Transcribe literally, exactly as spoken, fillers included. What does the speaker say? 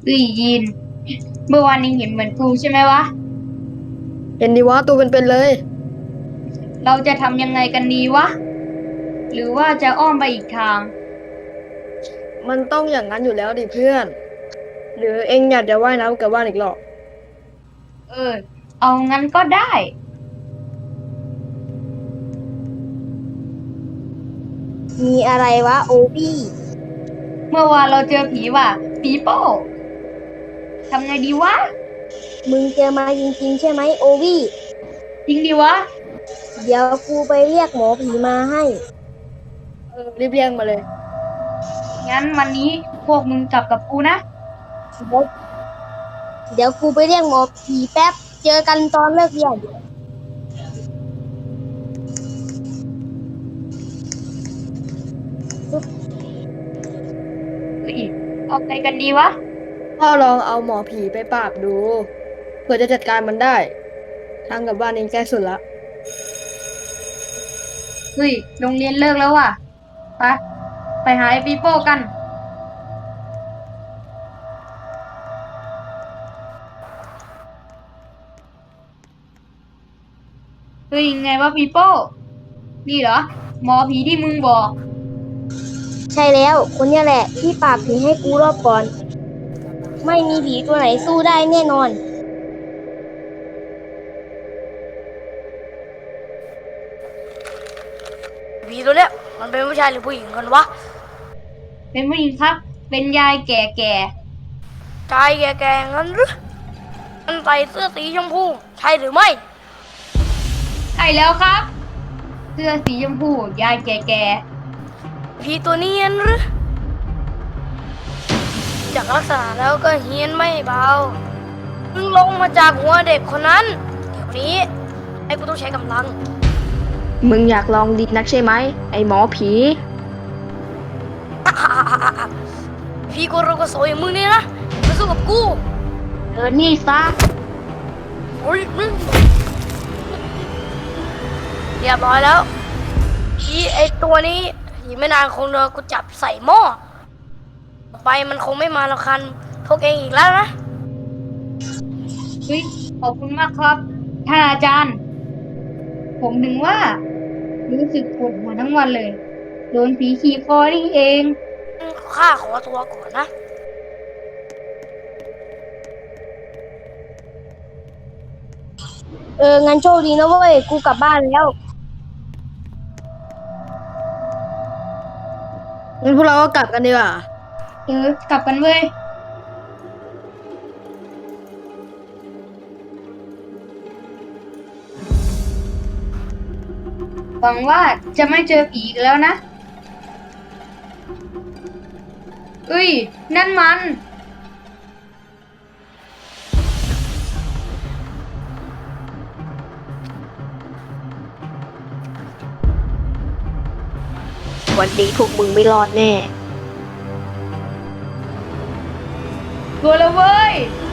เอ้ยยีนเมื่อวานนี้เห็นเหมือนกูใช่ไหมวะเห็นดีวะตัวเป็นๆเลยเราจะทำยังไงกันดีวะหรือว่าจะอ้อมไปอีกทางมันต้องอย่างนั้นอยู่แล้วดิเพื่อน หรือเอ็งอยากจะว่ายน้ำกับว่านอีกรอบเออเอางั้นก็ได้มีอะไรวะโอบี้เมื่อวานเราเจอผีว่ะปีโป้ทำไงดีวะมึงเจอมาจริงๆใช่ไหมโอบี้จริงดีวะเดี๋ยวกูไปเรียกหมอผีมาให้เออรีบเรียงมาเลยงั้นวันนี้พวกมึงกลับกับกูนะเดี๋ยวเดี๋ยวกูไปเรียกหมอผีแป๊บเจอกันตอนเลิกเรียนเฮ้ยเอาไงกันดีวะพ่อลองเอาหมอผีไปปราบดูเผื่อจะจัดการมันได้ทางกลับบ้านเองใกล้สุดละเฮ้ยโรงเรียนเลิกแล้วว่ะไปไปหาไอ้ปีโป้กันเฮ้ยยังไงวะปีโป้นี่เหรอหมอผีที่มึงบอกใช่แล้วคนเนี้ยแหละที่ปราบผีให้กูรอบก่อนไม่มีผีตัวไหนสู้ได้แน่นอนผีตัวเนี้ยมันเป็นผู้ชายหรือผู้หญิงกันวะเป็นผู้หญิงครับเป็นยายแก่ชายแก่ๆงั้นหรือมันใส่เสื้อสีชมพูใช่หรือไม่ๆใช่แล้วครับเสื้อสีชมพูยายแก่ผีตัวนี้งั้นหรือจากลักษณะแล้วก็เฮี้ยนไม่เบามึงลงมาจากหัวเด็กคนนั้นเดี๋ยวนี้ไอ้กูต้องใช้กำลังมึงอยากลองดีนักใช่ไหมไอหมอผีพี่กูรู้ก็โสอย่างมึงนี่นะมาสู้กับกูๆเออนี่ซะโอ้ยมึงเรียบร้อยแล้วพี่ไอ้ตัวนี้อีกไม่นานคงโดนกูจับใส่หม้อต่อไปมันคงไม่มาแล้วคันพวกเองอีกแล้วนะเฮ้ยขอบคุณมากครับท่านอาจารย์ผมถึงว่ารู้สึกปวดหัวทั้งวันเลยโดนผีขี่คอนี่เองข้าขอตัวก่อนนะเอองั้นโชคดีนะเว้ยกูกลับบ้านแล้วงั้นพวกเราก็กลับกันดีกว่าเออกลับกันเว้ยหวังว่าจะไม่เจอผีอีกแล้วนะเอ้ยนั่นมันวันนี้พวกมึงไม่รอดแน่ตัวละเว้ย